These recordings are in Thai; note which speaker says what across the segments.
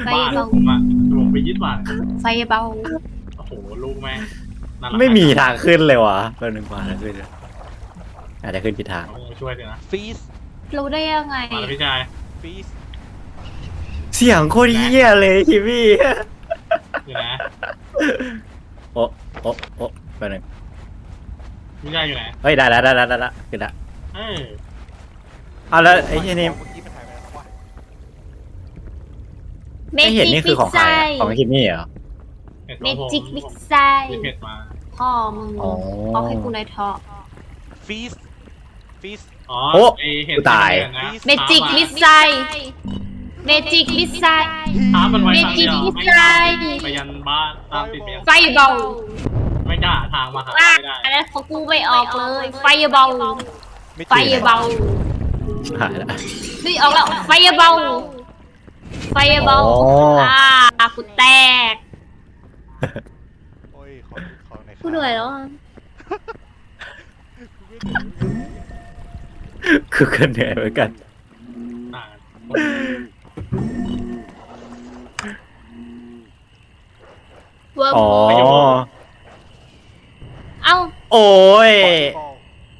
Speaker 1: บ้านผมอะผมไปยึดบ้าน
Speaker 2: ไฟเบา
Speaker 1: โอ้โหลูกแม่
Speaker 3: ไม่มีทางขึ้นเลยวะตัวหนึ่งมาแล้วขึ้นอาจจะขึ้นผิดทาง
Speaker 1: เอาช่วยเดี๋ยวนะ
Speaker 4: ฟีส
Speaker 2: รู้ได้ยังไง
Speaker 1: มาแล้วพี่ชาย
Speaker 4: ฟีส
Speaker 3: เสียงโคตรเหี้ยเลยคิวี่
Speaker 1: อยู่นะ
Speaker 3: โอ้โอ้โอ้ไปหนึ่ง
Speaker 1: พี่ชายอยู่ไหน
Speaker 3: เฮ้ยได้แล้วขึ้นละ
Speaker 1: เออ
Speaker 3: เอาแล้วไอ้เหี้ยนี่
Speaker 4: เมื่อกี้มันหายไปแล้ววะ
Speaker 2: เม
Speaker 3: ไอ้เห็น
Speaker 2: จิ
Speaker 3: นี่
Speaker 2: ก
Speaker 3: คื
Speaker 2: มิ
Speaker 3: อก ของใคร
Speaker 2: ไซ
Speaker 3: อะของคิมี่เหรอ
Speaker 2: เมจิกมิกไซ
Speaker 1: มีเพจมา
Speaker 2: พ่อมึง
Speaker 3: อ๋อ
Speaker 2: เขาให้กูในทอ
Speaker 4: ฟีสฟีส
Speaker 1: อ๋อ
Speaker 3: โอ้
Speaker 1: ไอเห็ด
Speaker 3: กูตาย
Speaker 2: เมจิกมิกไซเมจิกมิกไซ
Speaker 1: ท้ามันไว้
Speaker 2: เม
Speaker 1: ทาง
Speaker 2: จิ
Speaker 1: เดี
Speaker 2: ก
Speaker 1: ยว
Speaker 2: มิก
Speaker 1: ไม่
Speaker 2: ไซ
Speaker 1: ไปยันบ้านตามติดไปยัน
Speaker 2: ไฟเบา
Speaker 1: ไม่กล้าทางมาหา
Speaker 2: ว่า
Speaker 1: ไม่ได้
Speaker 2: อันนั้นเขากูไม่ออกเลย ไฟเบา
Speaker 4: ไม่
Speaker 2: ไฟ
Speaker 4: จริง
Speaker 2: เบา
Speaker 3: หายละ
Speaker 2: นี่ออกแล้ว ไฟเบา ไฟเบา
Speaker 3: อ๋อ
Speaker 2: กูแตก
Speaker 4: โอ้ยขอไหนอย
Speaker 2: กูเหนื่อยแล้วอะ
Speaker 3: คือกันเหนื่อยเหมือนกัน
Speaker 1: ต่าง
Speaker 2: เวิร์ม
Speaker 3: อ๋อ
Speaker 2: เอ้า
Speaker 3: โอ้ย
Speaker 4: ขอ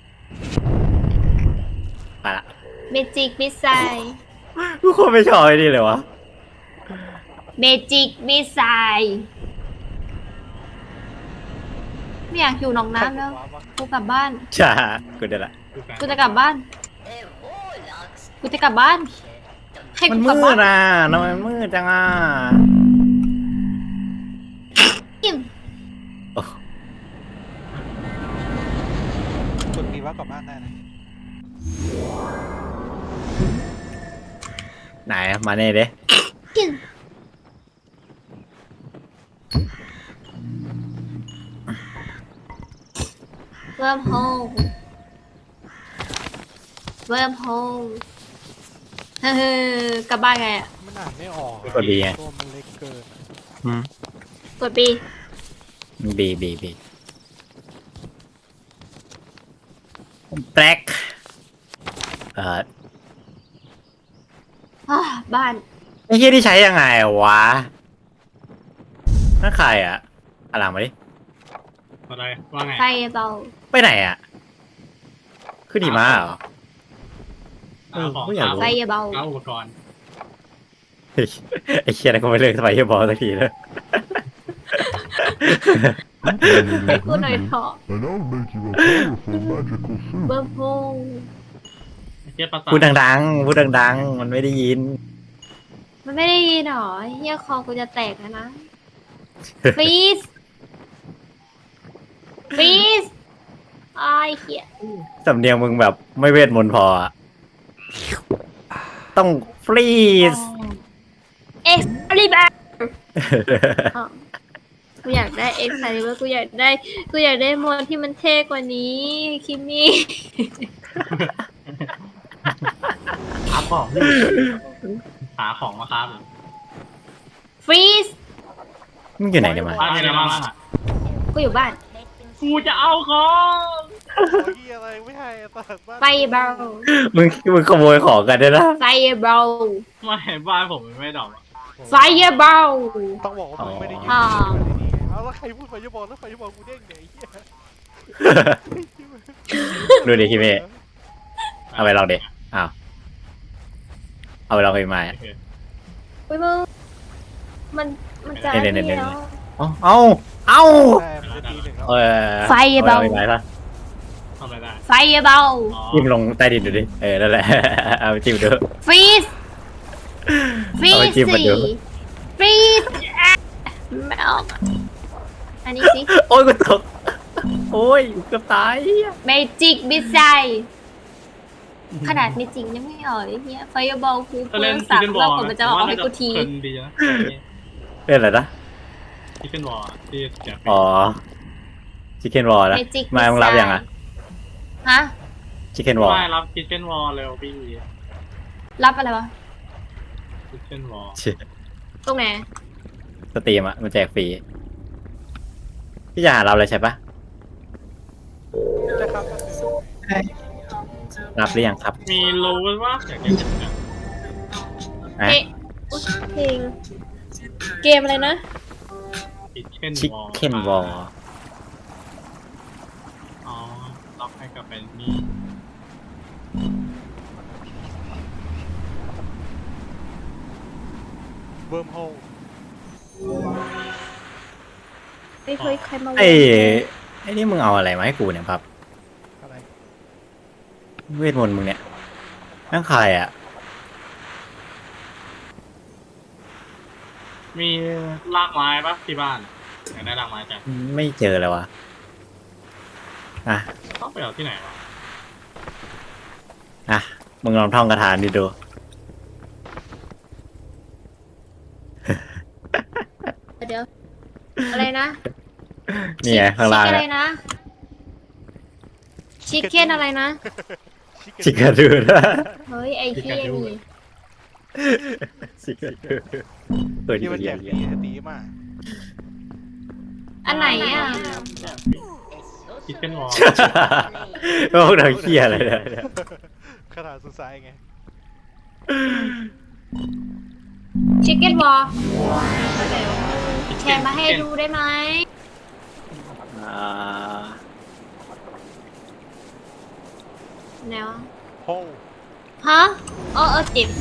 Speaker 3: ไปละ
Speaker 2: เมจิกมิสไซ
Speaker 3: กูโคตรไม่ชอบไอ้นี่เลยวะ
Speaker 2: เมจิกมิสไซไม่อยากอยู่หนองน้ำแล้ว กูกลับบ้าน
Speaker 3: จ้ากูได้ละ
Speaker 2: กูจะกลับบ้าน กูจะกลับบ้าน ให้
Speaker 3: มัน
Speaker 2: กูกลับ
Speaker 3: มื
Speaker 2: บ้า
Speaker 3: ด
Speaker 2: น
Speaker 3: อ่ะทำไมมืดจังอ่ะ
Speaker 2: อิ่ม
Speaker 4: กดมีว่ากลับบ้านได้นะ
Speaker 3: ไหนมาเน่เด้
Speaker 2: อิ่มเวิร์มโฮลเวิร์มโฮลเฮ้อกลับบ้านไงอ่ะ
Speaker 4: มันอ่านไม่ออก
Speaker 3: กดดีไง
Speaker 4: ตัวมันเล็กเกิน
Speaker 3: อืม
Speaker 2: กดบี
Speaker 3: บีแบล็ก
Speaker 2: บ้าน
Speaker 3: ไอ้เหี้ยที่ใช้ยังไงวะนั่นใครอ่ะอะหลังมาดิ
Speaker 1: อะไรว่าไง
Speaker 2: ไฟเบา
Speaker 3: ไปไหนอ่ะขึ้นดีมาเหรอ
Speaker 1: เอาของ
Speaker 3: ไม่อยากรู้
Speaker 2: ไฟเบา
Speaker 1: เอาอุปกรณ์
Speaker 3: เฮ้ยไอ้เชี่ยนั่นก็ไม่เลิกสไปเฮบอลสักทีเลย
Speaker 2: ให้กูหน่อยเถอะ
Speaker 5: And I'll make you a powerful magical suit.
Speaker 2: เวิร์มโฮล
Speaker 1: เทียบภาษา
Speaker 3: พูดดังๆพูดดังๆมันไม่ได้ยิน
Speaker 2: มันไม่ได้ยินหรอเฮียคอกูจะแตกแล้วนะฟีสฟีสไอ้เหี้ย
Speaker 3: สำเนียงมึงแบบไม่เวทมนต์พออะต้องฟรีส
Speaker 2: เอ็กซ์ลิเบอร์กูอยากได้เอ็กซ์ลิเบอร์กูอยากได้โมดที่มันเท่กว่านี้คิมมี่
Speaker 1: หาของหาของมาครับ
Speaker 2: ฟรีส
Speaker 3: มึงอยู่ไหนเนี่ยมา
Speaker 1: บ้านมีอะไรบ้างอ่ะ
Speaker 2: กูอยู่บ้าน
Speaker 1: กูจะเอาของ
Speaker 4: โอ้ยอะไรไม่ให้อะตัดบ้าน
Speaker 2: ไฟเบา
Speaker 3: มึงขโมยของกันด้วยนะ
Speaker 2: ไฟเบา
Speaker 1: ไม่บ้านผมไม่ดอก
Speaker 2: ไฟเบา
Speaker 4: ต้องบอกว่ามึงไม่ได้ยิน
Speaker 2: อ๋อ
Speaker 4: เอาแล้วใครพูดไฟยบอลแล้วไฟยบอลกูเด้งเนี่ยไอ้เหี้ย
Speaker 3: ดูดิคิเมะเอาไปลองดิอ้าวเอาไปลองไปมา
Speaker 2: อุ้ยมึงมันจะ
Speaker 3: เนี่ย
Speaker 2: นี่แล้ว
Speaker 3: เอา
Speaker 4: แต่มันจะตีหนึ่งแล้ว
Speaker 3: เออ
Speaker 2: ไฟเบา
Speaker 3: อไปไหนปะ
Speaker 1: ทำอะไรได้
Speaker 2: ไฟเบา
Speaker 1: อ๋อ
Speaker 3: จิ้มลงใต้ดินดูดินั่นแหละ เอาไปจิ้มดู
Speaker 2: ฟรีสฟรี
Speaker 3: เอาไป
Speaker 2: ส
Speaker 3: จิ้มมาดู
Speaker 2: ฟรีสไม่ออกอะอันนี้สิ
Speaker 3: โอ้ยกูตกโอ้ยเกือบตาย
Speaker 2: เมจิกบิสไซขนาดเมจิกยังไม่ออกเลยเฮียไฟเบากู
Speaker 1: ถ้า
Speaker 2: เพิ่
Speaker 1: เล่น
Speaker 2: ง
Speaker 1: ชิค
Speaker 2: สั่ง
Speaker 1: เก้นบอ
Speaker 2: แล้
Speaker 1: ล
Speaker 2: วผมจะเอาให้กูที
Speaker 1: เพลินดีนะ
Speaker 3: เล่นอะไรนะ
Speaker 1: ชิคเก้นบอลที่เสีย
Speaker 3: อ๋อชิคเก้นวอลนะ
Speaker 2: เมจิก
Speaker 3: มามึงรับยังอ่ะ
Speaker 2: ฮะ
Speaker 3: ชิคเก้นวอล
Speaker 1: ไม่รับชิคเก้นบอลเร็วพี่
Speaker 2: รับอะไรวะ
Speaker 1: ชิคเก้นบอล
Speaker 2: ตรงไหน
Speaker 3: สตรีมอ่ะมันแจกฟรีพี่จะหาเราเลยใช่ปะ
Speaker 4: นะครับ
Speaker 3: รับหรือยังครับ
Speaker 1: มีโลว่าอยากจะ
Speaker 3: อ่ะ
Speaker 2: เอ๊ะอุ๊ยเพลงเกมอะไรนะ
Speaker 1: ชิคเก้น
Speaker 3: ชิคเก้นวอล
Speaker 1: อ๋อล็อกให้กับเป็นนี่
Speaker 4: เวิร์มโฮล
Speaker 2: ไม่เคยใครมา
Speaker 3: ไอ้นี่มึงเอาอะไรมาให้กูเนี่ยครับ
Speaker 4: อะไร
Speaker 3: เวทมนต์มึงเนี่ยนั่งใครอ่ะ
Speaker 1: มีรากไม้ปะที่บ้านอยากได้รากไม้จ้ะ
Speaker 3: ไม่เจอเลยวะอ่ะ
Speaker 1: ต้องไปเอาที่ไหนวะ
Speaker 3: อ่ะมึงลองท่องคาถาดิดู
Speaker 2: เดี๋ยวอะไรนะ
Speaker 3: นี่ไงข้างล่าง
Speaker 2: ชิคอะไร
Speaker 3: เนี่ย
Speaker 2: นะชิคเก้นอะไรนะ
Speaker 3: ชิคเก้นดูนะ
Speaker 2: เฮ้ยไอ้เหี้ยนี่
Speaker 3: ชิคเก้นดูเปิด
Speaker 4: ที่มัน
Speaker 3: ดี
Speaker 4: แจก
Speaker 3: ๆ
Speaker 4: ดีตีมาก
Speaker 2: อันไหนอ่ะ
Speaker 1: ชิคเก้นวอล
Speaker 3: พวกเราเคียอะไรเนี่ย
Speaker 4: ขนาดสุดท้ายไง
Speaker 2: ชิคเก้นวอลแชร์มาให้ดูได้ไหม
Speaker 3: อ่า
Speaker 2: แนว
Speaker 4: โฮล
Speaker 2: ฮะจิบ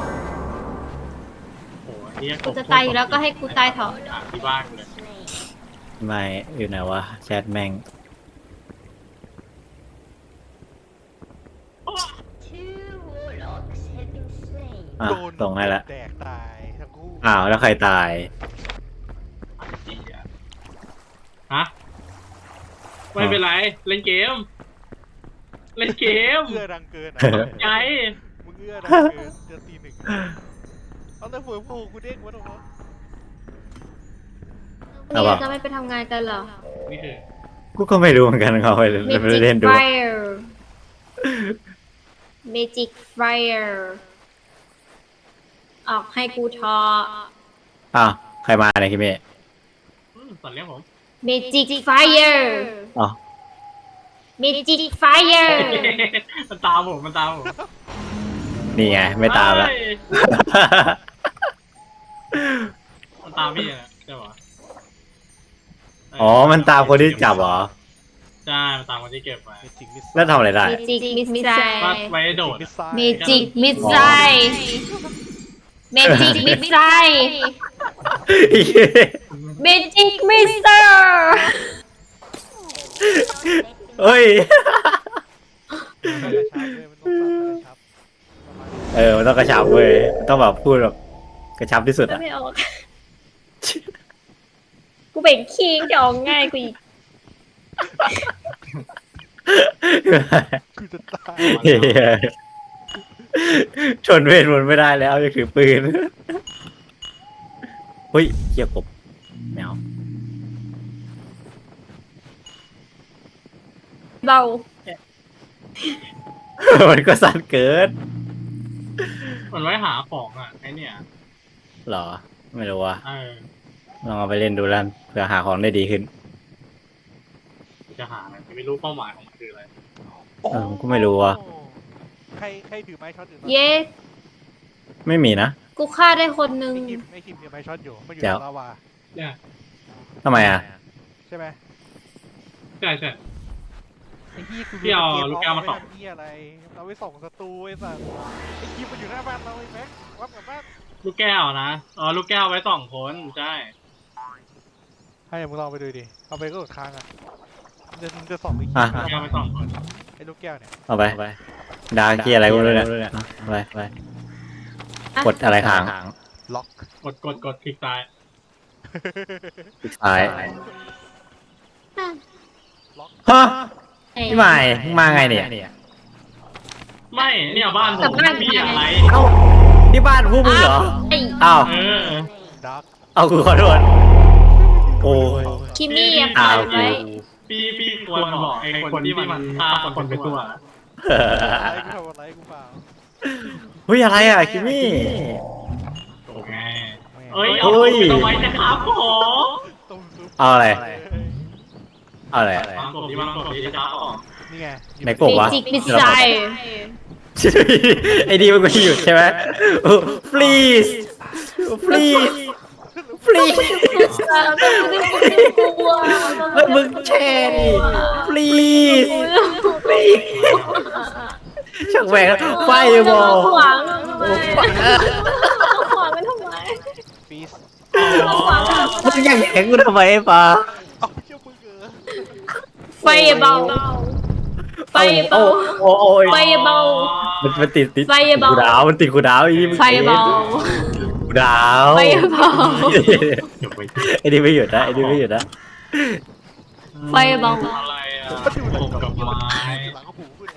Speaker 1: โอ้โหเฮีย
Speaker 2: กูจะตายอยู่แล้วก็ให้กูตายเถอะ
Speaker 1: ที่บ้านเลย
Speaker 3: ไม่อยู่ไหนวะแชทแม่ง อ่ะ
Speaker 4: โดน
Speaker 3: ส่งให้ละ
Speaker 4: แดกตายทั้งคู่
Speaker 3: อ้าวแล้วใครตาย
Speaker 1: ฮะไม่เป็นไรเล่นเกม เล่นเกม
Speaker 4: เอื้อดังเกินอ่ะ
Speaker 1: ใจ
Speaker 4: มึงเอื้อดังเกินจะตีหนึ่งเอาแต่เวิร์มโฮลกูเด้งวะตรงนั้น
Speaker 3: เอา
Speaker 2: นี่
Speaker 3: ปะ
Speaker 2: จะไม่ไปทำงานกันเหรอ
Speaker 1: นี่คือ
Speaker 3: กูก็ไม่รู้เหมือนกันเขาไป
Speaker 2: Magic
Speaker 3: เล่นดู
Speaker 2: Fire Magic Fire ออกให้กูทอ
Speaker 3: อ้าวใครมาเนี่ยคิเมะ
Speaker 1: สัตว์เลี้ยงผม
Speaker 2: Magic Fire
Speaker 3: อ๋อ
Speaker 2: Magic Fire
Speaker 1: มันตามผมมันตามผม
Speaker 3: นี่ไงไม่ตามละ
Speaker 1: เฮ้ยมันตามพี่นะใช่ปะ
Speaker 3: อ๋อมันตามคนที่จับเหรอ
Speaker 1: ใช่มันตามคนที่เก็บไว้
Speaker 4: เมจิกมิส
Speaker 3: แล้วทำอะไรได้
Speaker 2: Magic
Speaker 1: ว่า
Speaker 2: Missile
Speaker 1: ไว้โดด
Speaker 4: มิสไซ
Speaker 2: Magic Missile Magic Missile Magic Missile
Speaker 3: เฮ้ย
Speaker 4: มันต้องสั่นกระชับเลยมันต้องสั่นกระชับประมาณนี้
Speaker 3: มันต้องกระชับเว้ยมันต้องแบบพูดแบบกระชับที่สุด
Speaker 2: ก็
Speaker 3: อ่ะ
Speaker 2: ไม่ออก กูเป็นคิงจะออกง่ายกูอีก
Speaker 4: กูจะตาย
Speaker 3: เหี้ยชนเวทมนต์ไม่ได้แล้วจะถือปืนเฮ้ยเหี้ยกบแมว
Speaker 2: เบา
Speaker 3: มันก็สั้นเกิน
Speaker 1: มันไว้หาของอ่ะไอเนี่ย
Speaker 3: เหรอ ไม่รู้ว่า
Speaker 1: เออ
Speaker 3: ลองเอาไปเล่นดูแล้วเพื่อหาของได้ดีขึ้น
Speaker 1: จะหาอะไรไม่รู้เป้าหมายของมันคืออะไร
Speaker 3: ผมก็ไม่รู้ว่ะ
Speaker 4: ใครถือไม้ช็อตอยู่
Speaker 2: เย้
Speaker 3: ไม่มีนะ
Speaker 2: กูฆ่าได้คนนึง
Speaker 4: ไม่คิมถือไม้ช็อตอยู่มันอยู่
Speaker 3: แจ๋ว
Speaker 4: ในลาวา
Speaker 1: เนี่ย
Speaker 3: ทำไมอ่ะ
Speaker 4: ใช่ไหม
Speaker 1: ใช่ใช่
Speaker 4: ไอ้ที่คือ
Speaker 1: พี่เอาลูกแก้วมาส่อง
Speaker 4: ไที่อะไรเราไปส่องศัตรูไอ้สัสไอ้คิมมันอยู่หน้าบ้านเราไอ้แม็กวัดกับบ้าน
Speaker 1: ลูกแก้วนะอ๋อลูกแก้วไว้2 คนใช่
Speaker 4: ให้มึงลองไปดูดิเอาไปก็กดค้างอ่ะจะส่องไอ้คิ
Speaker 3: อ่ะ
Speaker 4: ม
Speaker 1: ลูกแก้วไว้2 คน
Speaker 4: ไอ้ลูกแก้วเนี่ย
Speaker 3: เอาไปดาเกียอะไรก็ไม่รู้เนี่ยเอาไปกดอะไรค้าง
Speaker 4: ล็อก
Speaker 1: กดคลิกซ้าย
Speaker 3: คลิกซ้าย
Speaker 4: ล็อก
Speaker 3: ฮะพี่ใหม่มึงมาไงเนี่ย
Speaker 1: ไม่เนี่ยบ้านผ
Speaker 2: กลั
Speaker 1: ม
Speaker 2: บบ้าน
Speaker 1: พี่อะไร
Speaker 3: เอ้าที่บ้านพวกมึงเหรอ
Speaker 2: ไอ้
Speaker 3: อ้าว
Speaker 1: เออ
Speaker 4: ดัก
Speaker 3: เอากูขอโทษโอ้ย
Speaker 2: คิมมี่ยัง
Speaker 3: อ้า
Speaker 2: ปล่อ
Speaker 3: วย
Speaker 2: ไว้
Speaker 1: พี่ควรบอกไอ้คนที่มันฆ่าคนไปทั่ว
Speaker 4: อะไรกูทำอะไรกูเปล่า
Speaker 3: เฮ้ยอะไรอ่ะคิมมี่
Speaker 1: โอเคเอ้ย
Speaker 3: เฮ้
Speaker 1: เอา
Speaker 3: ย
Speaker 1: ไปทำไมนะครับผม
Speaker 4: ต้มซุป
Speaker 3: เอาอะไร เอาอะไร
Speaker 1: วางกบดีจะจ้าออก
Speaker 4: นี่ไง
Speaker 3: ในกบวะ
Speaker 2: Magic Missile
Speaker 3: ไอ้ดีมันก็หยุดใช่ไหมโอ้ please please ฟรี
Speaker 2: กลัว
Speaker 3: เฮ้ยมึงแช่ดิฟรีฟรีช่างแหวกไฟบอล
Speaker 2: ขวางขวางมันทำไม
Speaker 4: ฟีส
Speaker 2: ขวางมันทำไม
Speaker 3: มึงยังแข็งกูทำไมไอ้ปลา
Speaker 4: เอาเชี่ยวมึงเออ
Speaker 2: ไฟเบาไฟเบา
Speaker 3: โอ้ย
Speaker 2: ไฟเบา
Speaker 3: มันติด
Speaker 2: ไฟเบา
Speaker 3: กูดาวมันติดกูดาวอี
Speaker 2: ไฟเบา
Speaker 3: กูดาว
Speaker 2: ไฟเบา
Speaker 3: ไอ้นี่ไม่หยุดนะไอ้นี่ไม่หยุดนะ
Speaker 2: ไฟเบา
Speaker 1: อะไรอ่ะตกกับไม้
Speaker 4: หลังหูกูเนี่ย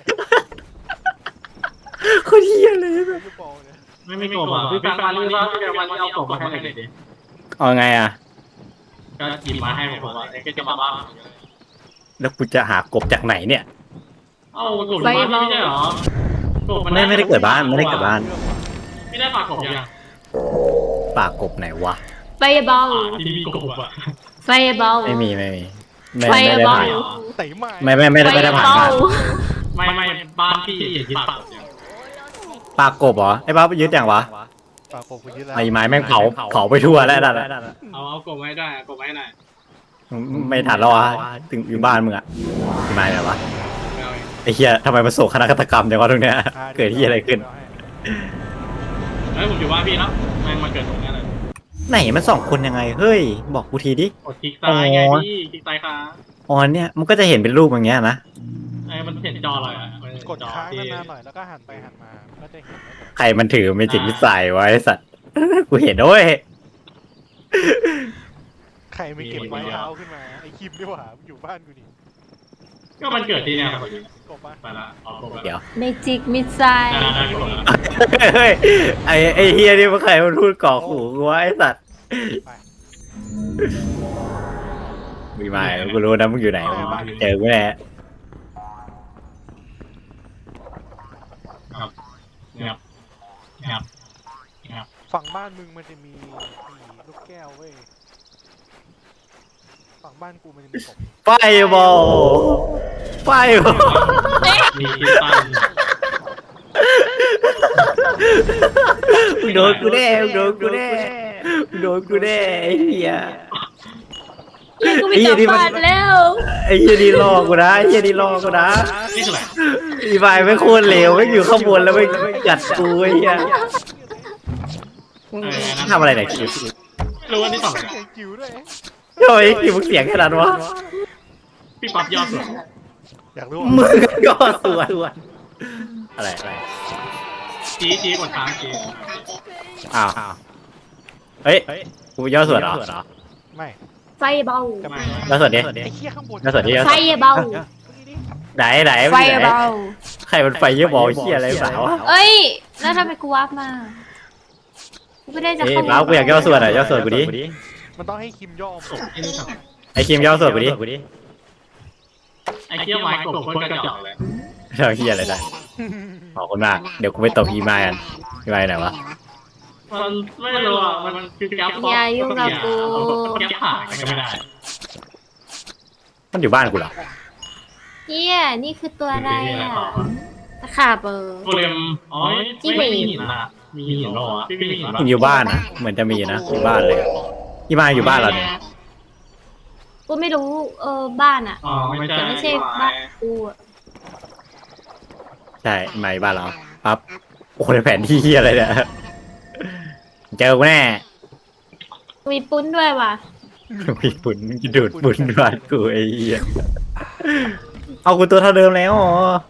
Speaker 3: โคตรเฮี้ยเลย
Speaker 4: ยูบอลเนี่ย
Speaker 1: ไม่กบอ่ะพี่แฟนมานี่ว่าพี่แฟนมานี่เอากบมาให้หน่อยดิ
Speaker 3: เอาไงอ่ะ
Speaker 1: ก็หยิบมาให้ผมว่าก็จะมาบ้าง
Speaker 3: แล้วกูจะหากบจากไหนเนี่ย
Speaker 1: เอ้ากบบ้านไม่ใช่หรอกบ
Speaker 3: ไม่ได้เกิดบ้านไม่ได้เกิดบ้าน
Speaker 1: ไม่ได้ฝากกบยัง
Speaker 3: ปากกบไหนวะ
Speaker 2: ไฟเบา
Speaker 1: ที่มีกบอ่ะ
Speaker 2: ไฟเบา
Speaker 3: ไม่มีไม่
Speaker 2: ไฟ
Speaker 3: ได้
Speaker 2: เบา
Speaker 3: ผ่าน
Speaker 4: เตะไม้
Speaker 3: ไม่ได้ผ่านบ้าน
Speaker 1: ไม่บ้านพี่ยึดปาก
Speaker 3: ปากกบเหรอไอ้บ้ายึดอย่างวะ
Speaker 4: ปากผมกูยึดแล้ว
Speaker 3: ไอ้ไม้แม่งเผาไปทั่วแล้วนั่น
Speaker 1: เอากบไว้ได้กบไว้หน่อย
Speaker 3: ไม่ทันแล้ววะถึงอยู่บ้านมึงอะไอ้ไม้ไหนวะไอ้เหี้ยทำไมมาโศกคณะฆาตกรรมเดี๋ยววะตรงเนี้ยเกิดที่อะไรขึ้น
Speaker 1: เฮ้ยผมอยู่บ้านพี่แล้วมันเกิดตรงนี้เลย
Speaker 3: ไหนมันสองคนยังไงเฮ้ยบอกกูทีดิ
Speaker 1: กดคลิกซ้ายไงพี่คลิกซ้ายค้าง
Speaker 3: อ๋อเนี่ยมันก็จะเห็นเป็นรูปอย่างเงี้ยนะ
Speaker 1: มันเห็นจอเลยอ่ะ
Speaker 4: กดค้างนานๆหน่อยแล้วก็หันไปหันมาก็จะเห็นว่าแบบ
Speaker 3: ใครมันถือเมจิกวิสัยไว้สัตว์ กูเห็นด้วย
Speaker 4: ใครไม่เก็บไม้เท้าขึ้นมาไอ้คิมดีกว่าอยู่บ้านกูดิ
Speaker 1: ก็มันเกิดที่เนี่ย
Speaker 4: กบปะ
Speaker 1: ไปละออกกบ
Speaker 3: เดี๋ยว
Speaker 2: เมจิกมิสไซล์
Speaker 1: ได้กด
Speaker 3: เฮ้ยไอ้เฮียนี่มันใครมันพูดก่อขู่กูวะไอ้สัตว์มีมากูรู้นะมึงอยู่ไหนเจอกูแน่
Speaker 1: ครับ
Speaker 4: ฝั่งบ้านมึงมันจะมีลูกแก้วเว้ยฝั่งบ้านกูมันจะมีกบ
Speaker 3: ไฟบอลไฟบอล
Speaker 1: มีคิดตัน
Speaker 3: มึงโดนกูแน่มึงโดนกูแน่มึงโดนกูแน่ไอ้เหี้ย
Speaker 2: กูมีจับฟาดแล้ว
Speaker 3: ไอ้เหี้ยนี่ล่อกูนะไอ้เหี้ยนี่ล่อกูนะ
Speaker 1: นี่คืออะไร
Speaker 3: อีไฟไม่โคตรเลวไม่อยู่ข้างบนแล้วไม่กัดกูไอ้เหี้ยทำอะไรไหนคิว
Speaker 1: รู้ว่านี่สอง
Speaker 4: เสียงจิ๋วด้วย
Speaker 3: ทำไมคิวมึงเสียงขนาดวะ
Speaker 1: พี่ปั๊บยอดสุด
Speaker 4: อยากรู้
Speaker 3: มึงก็ส่วนอะไร
Speaker 1: ชี้กดค้างชี้
Speaker 3: อ้าวเฮ้ยกูย่อส่วนเหรอ
Speaker 4: ไม่
Speaker 2: ไฟเบา
Speaker 4: จะไม่
Speaker 3: ย่อส่วนดิ
Speaker 4: ไอ้เหี้ยข้างบน
Speaker 3: ย่อส่วนดิ
Speaker 2: ไฟเบา
Speaker 3: ไหน
Speaker 2: ไฟเบา
Speaker 3: ใครมันไฟเยอะบอลเหี้ยอะไรเปล่าวะ
Speaker 2: เอ้ยแล้วทำไมกูวาร์ปมากูไม่ได้จะ
Speaker 3: เอ้ย
Speaker 2: เข้า
Speaker 3: บ้ากูอยากย่อส่วนอ่ะย่อส่วนกูดิ
Speaker 4: มันต้องให้คิมย่อม
Speaker 1: กบที่นี่ครับ
Speaker 3: ไอ้คิมย่อส่วนกูดิ
Speaker 1: ไอ้เกี้ยวไม้กบโคตรกระจอกเลย
Speaker 3: เราเหี้ยอะไรได้ขอบคุณมากเดี๋ยวกูไปตบอีไมกันอีไมไหนวะ
Speaker 1: มันไม่รู้อ่ะมันคือแก๊ปแก๊ปผ่านก็ไม่ได้
Speaker 3: มันอยู่บ้านกูเหรอ
Speaker 2: เฮียนี่คือตัวอะไรอ่ะตะขาบเบอร์
Speaker 1: โกเลมอ๋อไม่มีหินนะมีหินหรอพี่มีหิน
Speaker 3: มันอยู่บ้านนะเหมือนจะมีนะอยู่บ้านเลยอีไมอยู่บ้านเราเนี่ย
Speaker 2: กูไม่รู้บ้านอ่ะ
Speaker 1: อ๋อไม่
Speaker 2: แต่ไม่
Speaker 1: ใช่
Speaker 2: ใช่บ้านกูอะ
Speaker 3: ใช่อีไมบ้านเราปั๊บโอ้โหในแผนที่เหี้ยอะไรเนี่ยเจอกูแน่
Speaker 2: มีปุ้นด้วยว่ะ
Speaker 3: มีปุ่นดูดปุ่นบ้านกูไอ้เหี้ยเอากูตัวเท่าเดิมแล้วอ๋อ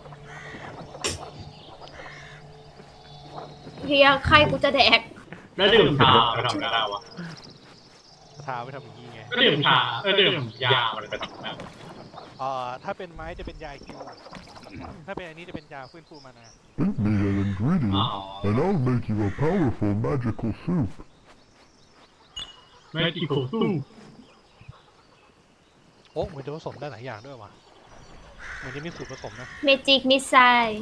Speaker 2: เฮียใครกูจะแดก
Speaker 1: แล้วดื่มชาไปทำอะไรวะ
Speaker 4: ทาไปทำอย่างนี้ไง
Speaker 1: ก็ดื่มชาดื่มยามันไปทำอะไร
Speaker 4: ถ้าเป็นไม้จะเป็นยาคิวถ้าเป็นอันนี้จะเป็นยาฟื้นฟูมานา
Speaker 5: Feed me an ingredient, and I'll make you a powerful magical soup.
Speaker 1: ไม่กี่คู่สู้
Speaker 4: โอ้เหมือนจะผสมได้หลายอย่างด้วยว่ะเหมือนจะมีสูตรผสมนะ
Speaker 2: เมจิกมิสไซล์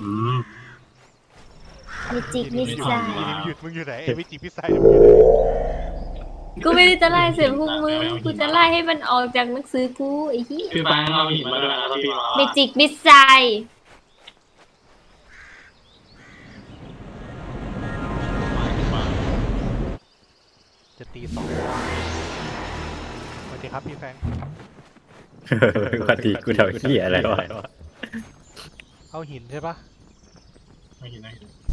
Speaker 2: เมจิกมิสไซล์
Speaker 4: หยุดมึงอยู่ไหนไม่จีพิซซ่ามึงอยู่ไหน
Speaker 2: กูไม่ได้จะไล่เสียงพวกมึงกูจะไล่ให้มันออกจากหนังสือกูไอ้เหี้ย
Speaker 1: คือแบงค์เราหินมาด้วยนะพี่
Speaker 2: เมจิกมิสไซล์
Speaker 4: เจ็ดตี2สวัสดีครับพี่แฟรงค์
Speaker 3: ปกติกูทำเหี้ยอะไรวะ
Speaker 4: เอาหินใช่ปะ
Speaker 1: ไม่เห็นไหม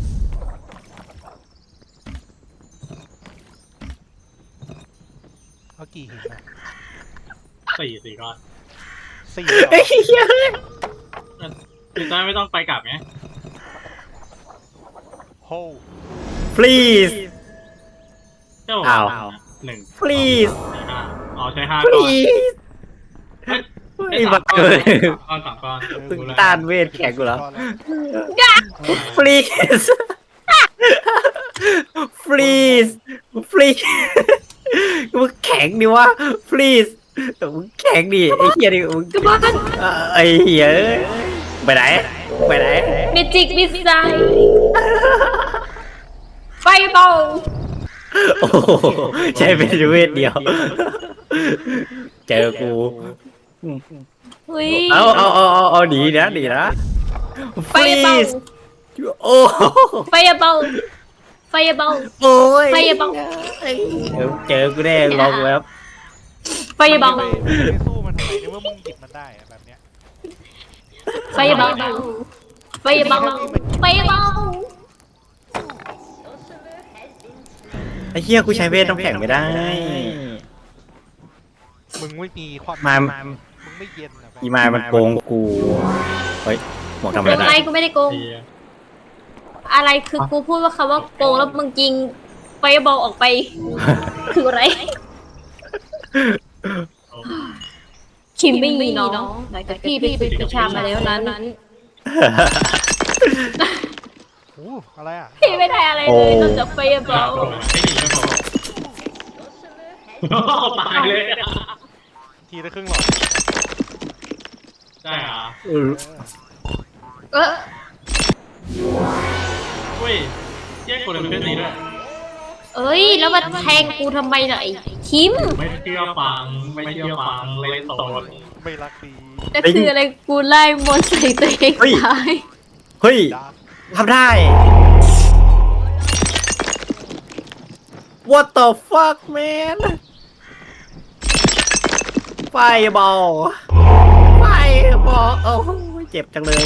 Speaker 4: เอากี่หินอะ
Speaker 1: 4ก้อน
Speaker 4: 4เหรอ
Speaker 1: คือได้ไม่ต้องไปกลับไง
Speaker 4: โฮ
Speaker 3: please
Speaker 1: เจ้า
Speaker 3: อ้าว
Speaker 1: 1
Speaker 3: please
Speaker 1: 5อ๋อใช้5ก้อน
Speaker 3: please ไอ้บักเกิด
Speaker 1: 3 ก้อน
Speaker 3: ตึงต้านเวทแข็งกูแล้ว please please please มึงแข็งดิวะ please มึงแข็งดิไอ้เหี้ยดิมึง
Speaker 2: กระบอน
Speaker 3: ไอ้เหี้ยไปไหนไปไหน
Speaker 2: เมจิกมิสไซล์ไฟบอล
Speaker 3: โอ้โหใช้เป็นเวทเดียว เจอกู
Speaker 2: อุ้ย
Speaker 3: เอาดีนะ
Speaker 2: ไฟบอล
Speaker 3: please โอ้
Speaker 2: ไฟบอลไฟบอล
Speaker 3: โอ้ย
Speaker 2: ไฟบอล
Speaker 3: เจอกูแน่ลองแล้ว
Speaker 2: ไฟบอล
Speaker 4: ไม่สู้มันทำไมเนี่ยว่ามึงหยิบมันได้อะแบบเนี้ย
Speaker 2: ไฟบอลไฟบอลไฟบอล
Speaker 3: ไอ้เหี้ยกูใช้เวทน้ำแข็งไม่ได้
Speaker 4: มึงไม่มีความ
Speaker 3: มา
Speaker 4: มึงไม่เย็นอะแบบ
Speaker 3: อีมายมันโกงกู เฮ้ยหมอกทำอะไร
Speaker 2: โกงอะไร
Speaker 3: ได้
Speaker 2: กูไม่ได้โกง อะไรคือกูพูดว่าคำว่าโกงแล้วมึงยิงไฟบอลออกไป คืออะไร คิมไม่มีน้องหลังจากที่พี่ฝึกวิชามาแล้วนั้น
Speaker 4: โอ้อะไรอ่ะ
Speaker 2: พี่ไม่ได้อะไรเลยนอกจากไฟบอล
Speaker 1: ไม่ดีไม่พอตายเลย
Speaker 4: ทีละครึ่งหลอด
Speaker 1: ได้เหรอ
Speaker 2: เออ
Speaker 1: เฮ้ยแยกคนละเพื่อนนี้ด้วย
Speaker 2: เอ้ยแล้วมาแทงกูทำไมล่ะไอ้คิม
Speaker 1: ไม่เชื่อฟังไม่เชื่อฟังเล่นโซน
Speaker 4: ไม่รักดี
Speaker 2: นั่นคืออะไรกูไล่มนต์ใส่ตัวเองตาย
Speaker 3: เฮ้ย
Speaker 4: ดาร์ก
Speaker 3: ทำได้ What the fuck man ไฟบอลโอ้ยเจ็บจังเลย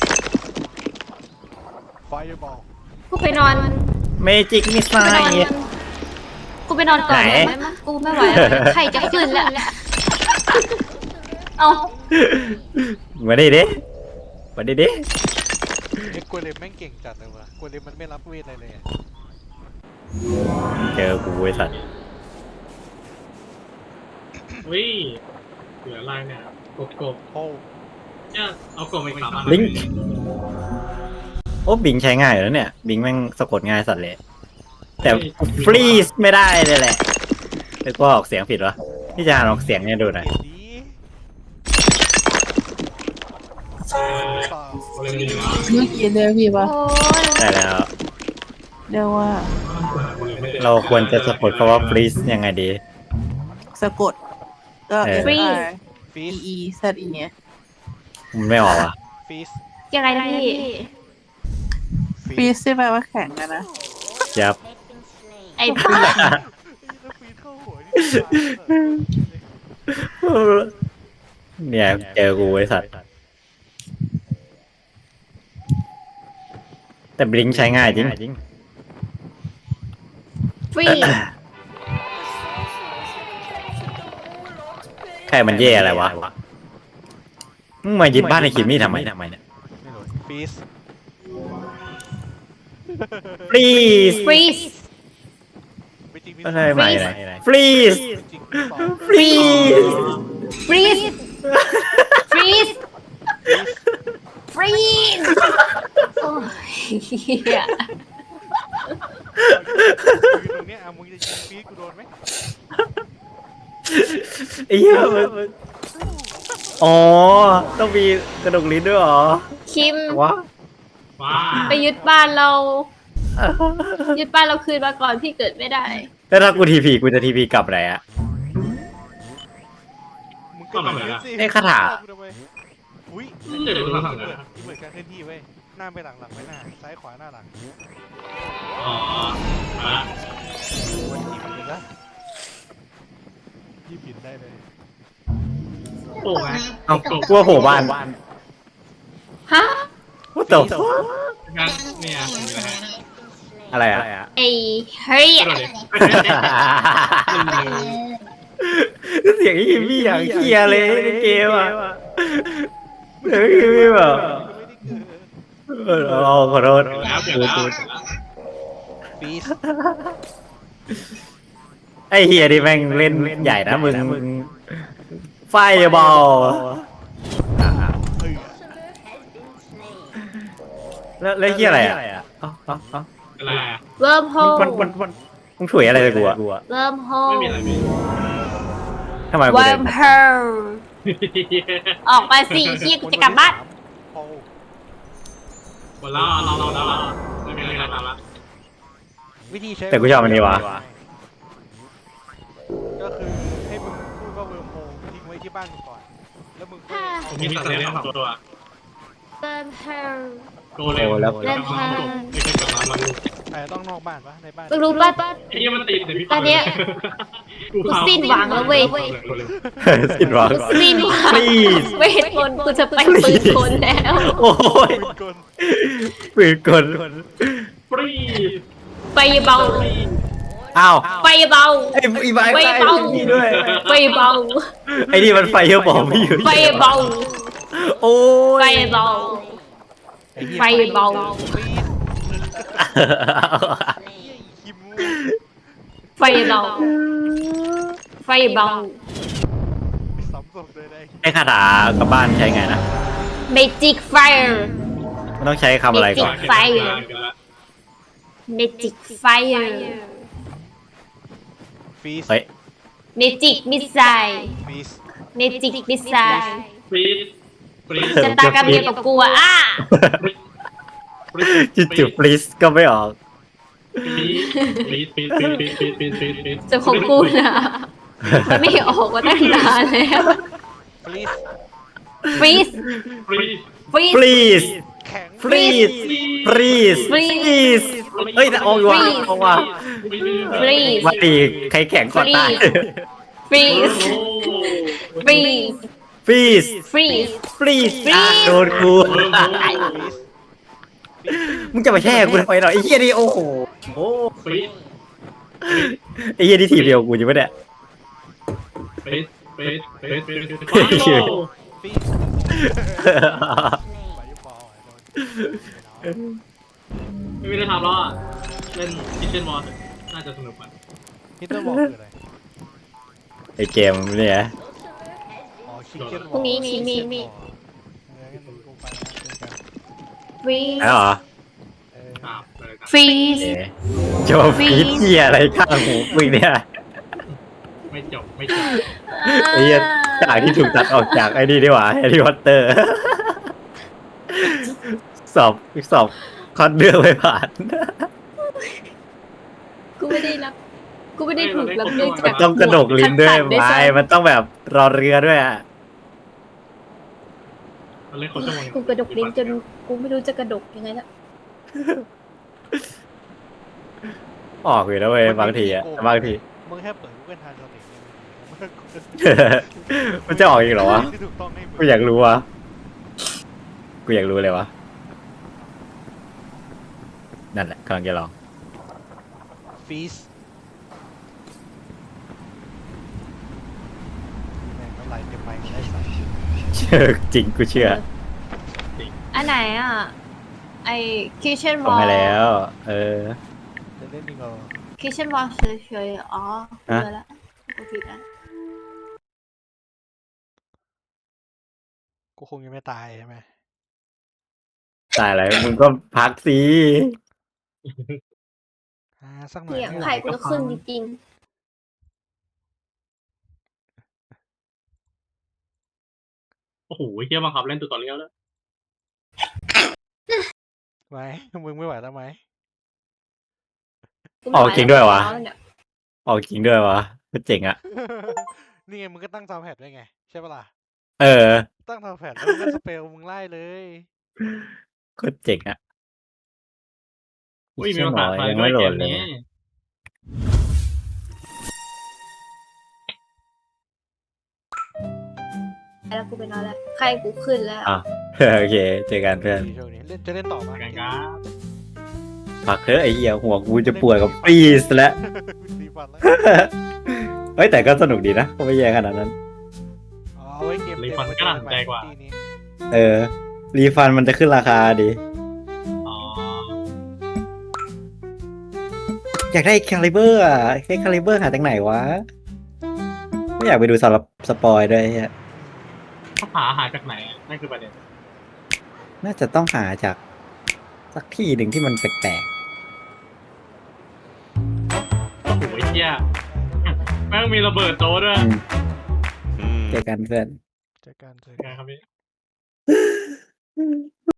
Speaker 4: ไฟบอล
Speaker 2: กูไปนอน
Speaker 3: เมจิกมิสไซ
Speaker 2: ไปนอน
Speaker 3: ล์
Speaker 2: กูไปนอนก่อน
Speaker 3: ไหน
Speaker 2: ได้ไหมกูไม่ไหวแล้วใครจะขึ้นแล้วเอา
Speaker 3: มาดิดิมาดิดิ
Speaker 4: เอ็กโกเลมแม่งเก่งจัดเลยวะโกเลมมันไม่รับเวทอะไรเลยอะ
Speaker 3: เจอกูไอ้สัตว์
Speaker 1: เฮ้ยเหลืออะไรเนี่ยกบ
Speaker 4: โอ้
Speaker 1: เนี่ยเอากบไป3 อัน
Speaker 3: ลิงก์โอ้บิงใช้ง่ายอยู่แล้วเนี่ย บิงแม่งสะกดง่ายสัตว์เลย แต่ฟรีสไม่ได้เลยแหละแต่ก็ออกเสียงผิดวะพี่จะอ่านออกเสียงเนี่ยดูหน่อย
Speaker 4: เก่งดีต่อ
Speaker 1: เล่นดีนะ
Speaker 6: เมื่อกี้เรียกพี่ปะ
Speaker 2: โอ้ย
Speaker 3: ได้แล้ว
Speaker 6: เรียกว่า
Speaker 3: เราควรจะสะกดคำว่าฟรีสยังไงดี
Speaker 6: สะกด ก็
Speaker 3: เออ
Speaker 6: F R
Speaker 4: ฟีส
Speaker 6: E E Z E เนี่ย
Speaker 3: มันไม่ออกอ่ะ
Speaker 4: ฟีส
Speaker 2: ยังไงนะพี่
Speaker 6: ฟรีซที่แปลว่าแข็งอะนะ
Speaker 3: ยับ
Speaker 2: ไอ้บ้า
Speaker 4: แล้วฟีสเข้าหัวนี่
Speaker 3: เนี่ยเจอกูไอ้สัตว์แต่บลิงก์ใช้ง่ายจริง
Speaker 2: ฟรี
Speaker 3: ใครมันแย่อะไรวะมึงมายึดบ้านในคิมมี่ทำไมเนี่ย
Speaker 4: ไม่รู้ฟีส
Speaker 3: please
Speaker 2: ฟรีส
Speaker 4: ไม่จริงมี
Speaker 3: อะไรใหม่ไหน please
Speaker 4: ไม่จริงมีสอง
Speaker 3: please
Speaker 2: ฟรีสฟรีสฟรีสโอ้ยเหี้ย
Speaker 4: อยู่ตรงเนี้ยอ่ะมึงจะยิงฟีสกูโดนไหม
Speaker 3: ไอ้เหี้ยมันอ๋อต้องมีกระดกลิ้นด้วยเหรอ
Speaker 2: คิม
Speaker 3: วะ
Speaker 1: ว้า
Speaker 2: ไปยึดบ้านเรา ยึดบ้านเราคืนมาก่อนพี่เกิดไม่ได้
Speaker 3: แล้วถ้ากูทีพีกูจะทีพีกลับไหนอะ
Speaker 4: มึงก็แบบนี้สิ
Speaker 3: ไอ้คาถา
Speaker 4: กูทำไมอุ้ย
Speaker 1: เดี๋ยวดูทำ
Speaker 4: เห
Speaker 1: นะ
Speaker 4: มือนการเคลื่อนที่เว้ยหน้าไปหลังหลังไปหน้าซ้ายขวาหน้าหลัง
Speaker 1: อ๋อมา
Speaker 4: วันที่มันเลยนะยี่บินได้เลย
Speaker 1: โอ้ไง
Speaker 3: เอ้ากูว่าโผล่บ้าน
Speaker 2: ฮะ
Speaker 3: What the fuck
Speaker 1: งั้นเนี่ยมีอะไรฮะ
Speaker 3: อะไรอ่ะ
Speaker 2: ไอ้เฮ้ย
Speaker 1: กระโดดดิ
Speaker 3: เสียงยิมมี่อย่างเคลียร์เลยในเกมอ่ะเสียงยิมมี่แบบ
Speaker 4: ไม่ได้เกิด
Speaker 3: ขอโทษ
Speaker 1: แล้วเดี๋ยวแล้ว
Speaker 4: ฟีส
Speaker 3: ไอ้เฮียนี่แม่งเล่นใหญ่นะมึงไฟบอล
Speaker 4: เฮ้ย
Speaker 3: แล้วเฮียอะไรอ่ะเอ้า
Speaker 1: อะไรอ่ะ
Speaker 2: เริ่มโฮ
Speaker 3: มันมึงถุยอะไรเลยกูอ่ะ
Speaker 2: เริ่มโฮ
Speaker 1: ไม่มีอะไรมี
Speaker 3: ทำไมกู
Speaker 2: เริ่
Speaker 3: เดิ
Speaker 2: ม
Speaker 3: น
Speaker 2: โฮออกมาสิเฮียกูจะกลับบ้าน
Speaker 4: โอ้
Speaker 1: หมดแล้วเราไม่มีอะไรทำละ
Speaker 4: วิธีใช้
Speaker 3: แต่กูชอบอันนี้วะ
Speaker 4: ก็คือให้มึงพูดว่าเวิร์มโฮทิ้งไว้ที่บ้านมึงก่อนแล้วมึงก็
Speaker 1: ผมมีสัตว์เลี้ยง2 ตัว
Speaker 2: เริ่มโฮ
Speaker 1: โตเลย
Speaker 3: โตแล้ว
Speaker 1: ไม่เคยกลับมามัน
Speaker 4: แต่ต้องนอกบ้านปะในบ้าน
Speaker 2: มึงรู้ป่ะ
Speaker 1: ไอ้เหี้ยมันติดเดี๋ยวพี่
Speaker 2: ตอนเนี้ย กูสิ้นหวังแล้วเว้ย
Speaker 3: สิ้นหวัง
Speaker 2: สิ้นหวัง
Speaker 3: Please
Speaker 2: เวทมนต์กูจะไปปืนคนแล้ว
Speaker 3: โอ้ย
Speaker 4: ปืนกล
Speaker 3: ปืนกล
Speaker 1: ฟรี
Speaker 2: ไฟเบา
Speaker 3: อ้าว
Speaker 2: ไฟเบา
Speaker 3: ไอ้ใบ
Speaker 2: ไฟเบา
Speaker 3: นี่ด้วย
Speaker 2: ไฟเบา
Speaker 3: ไอ้นี่มันไฟเยอะบอกไม่อยู่
Speaker 2: ไฟเบา
Speaker 3: โอ้ย
Speaker 2: ไฟเบา
Speaker 4: อ้หี้ย
Speaker 2: ไฟเบา
Speaker 4: ฟีสเหี้ยอีคิมู
Speaker 2: ไฟเบา ไฟเบา
Speaker 4: สำศพเลยได้
Speaker 3: ไอ้คาถากลับบ้านใช้ไงนะ
Speaker 2: Magic Fire
Speaker 3: มันต้องใช้คำอะไรก่อน
Speaker 2: ไฟ Magic Fire
Speaker 4: ฟีส
Speaker 3: เฮ้ย
Speaker 2: Magic Missile
Speaker 4: ฟีส
Speaker 2: Magic Missile
Speaker 1: ฟรีฟรี
Speaker 2: จะตากระเมียกับกูอะอ่ะ
Speaker 3: จุดๆ please ก็ไม่ออก
Speaker 1: ฟรี
Speaker 2: จะของกูนะมันไม่ออกมาตั้งนานแล้ว
Speaker 4: ฟีส
Speaker 2: Freeze
Speaker 1: ฟรี
Speaker 2: Freeze
Speaker 3: please
Speaker 4: แข็ง
Speaker 3: please please please เฮ้ยแต่ออกอยู่ว่ะ
Speaker 2: Freeze
Speaker 3: ออกว่ะ
Speaker 2: Freeze
Speaker 3: มาตีใครแข่งก่อนตาย
Speaker 2: Freeze Freeze
Speaker 3: please
Speaker 2: Freeze
Speaker 3: please
Speaker 2: Freeze
Speaker 3: อ่ะโดนกู
Speaker 4: ฟีส
Speaker 3: มึงจะมาแช่กูทำไมหรอไอ้เหี้ยนี่โอ้โห
Speaker 1: ฟรี
Speaker 3: ไอ้เหี้ยนี่ทีมเดียวกูอยู่ปะเนี่ย
Speaker 1: ฟรีฟรีฟรีฟรี
Speaker 4: ฟีสไปยุบอลไอ้โดน
Speaker 1: ไม่ได้ทำแล้วอ่ะเล่นคิทเช่นวอลน่าจะสนุกกว่า
Speaker 4: ฮิตเตอร์บอลคืออะไร
Speaker 3: ไอ้เกมเนี่ย
Speaker 4: อ๋อชิคเก้นบอล
Speaker 2: พรุ่งนี้มี
Speaker 4: งั้นกูไปนะเจอกัน
Speaker 2: Freeze
Speaker 3: แล้วเหรอ
Speaker 1: อ้าวไปเลยครับ
Speaker 2: Freeze
Speaker 3: เอ๊ะจะมาฟีดเหี้ยอะไรข้างหูมึงเนี่ย
Speaker 1: ไม่จบ
Speaker 3: ไอ้เหี้ยจากที่ถูกตัดออกจากไอ้นี่ดีกว่าแฮร์รี่พอตเตอร์ สอบคอนเดือไม่ผ่าน
Speaker 2: กูไม่ได้รับ กูไม่ได้ถูกรับเลือก
Speaker 3: มัน
Speaker 2: จาก
Speaker 3: ต้องกระดกลิ้นด้วย
Speaker 2: ขั้ตั
Speaker 3: ไม้มันต้องแบบรอเรือด้วยอ่ะ
Speaker 1: มันเล่นคนชั่วโมง
Speaker 2: กูกระดกลิ้นจนกูไม่รู้จะกระดกยังไงละ
Speaker 3: ออกอยู่แล้วเว้ยบางทีอ่ะบางที
Speaker 4: มึงแค่เปิด Google Translate เนี่ย
Speaker 3: มันจะออกอีกเหรอวะ
Speaker 4: ที่ถูกต้องให้มึง
Speaker 3: กูอยากรู้วะกูอยากรู้เลยวะนั่นแหละกำลังจะลอง
Speaker 4: ฟีสแม่งอะไรเต็มไปได้ใส่
Speaker 3: เชื่อจริงกูเชื่อ
Speaker 2: อันไหนอ่ะ ไอ Kitchen
Speaker 3: ส่ง
Speaker 2: Wall
Speaker 3: ให้แล้ว
Speaker 4: จะเล่นจริงเหรอ
Speaker 2: Kitchen Wall เฉยๆอ๋อเจอแล้วกูผิดอ่ะ
Speaker 4: กูคงยังไม่ตายใช่ไหม
Speaker 3: ตายอะไรมึงก็พักสิ
Speaker 4: สักหน่อย
Speaker 2: เสียง
Speaker 4: ไม่ไหว
Speaker 2: ไข่กูจะขึ้นจริง
Speaker 1: โอ้โหเฮียบังคับเล่นตัวต่อเลี้ยวแล้ว
Speaker 4: ไหมมึงไม่ไหวแล้วไหม
Speaker 2: ๆ
Speaker 3: ออกจริงด้วยวะ
Speaker 2: เนี่ย
Speaker 3: ออกจริงด้วยวะก็เจ๋งอ่ะ
Speaker 4: นี่ไงมึงก็ตั้งซาวด์แพดไว้ไงใช่ปะล่ะ
Speaker 3: เออ
Speaker 4: ตั้งซาวด์แพดแล้วมึงก็สเปลมึงไล่เลย
Speaker 3: ก็เจ๋งอ่ะ
Speaker 1: อุ้ยมีภาษาไทย
Speaker 3: ยัง
Speaker 1: ด้ว
Speaker 3: ไม่
Speaker 1: ย
Speaker 3: โหล
Speaker 1: เก
Speaker 3: ด
Speaker 1: ม
Speaker 3: เลย
Speaker 1: นี้
Speaker 2: แล้วกูไปนอนแล้วไข้กูขึ้นแล้ว
Speaker 3: อ่ะ โอเค เจอกันเพื่อน
Speaker 4: ช่วงนี้จะเล่นต่อมา
Speaker 1: กันครับ
Speaker 3: พักเถอะไอ้เหี้ยหัวกูจะปวดกับฟรีสแล้ว
Speaker 4: รีฟันแล้ว
Speaker 3: เฮ้ยแต่ก็สนุกดีนะก็ไม่แย่ขนาดนั้น
Speaker 4: เอาไว้เกม
Speaker 1: รีฟันก็น่าสนใจกว่า
Speaker 4: ที่นี้
Speaker 3: เออ รีฟันมันจะขึ้นราคาดี
Speaker 1: อ๋อ
Speaker 3: อยากได้คาลิเบอร์อ่ะได้คาลิเบอร์หาจากไหนวะ ไม่อยากไปดูสปอยด้วยไอ้เหี้ย
Speaker 1: เขาหาจากไหนอะนั่นคือประเด็น
Speaker 3: น่าจะต้องหาจากสักที่หนึ่งที่มันแปลก
Speaker 1: โอ้โหไอ้เหี้ยแม่งมีระเบิดโต๊ะด้ว
Speaker 3: ๆ
Speaker 1: ย
Speaker 3: เจอกันเพื่อน
Speaker 4: เจอกัน
Speaker 1: ไงครับพี่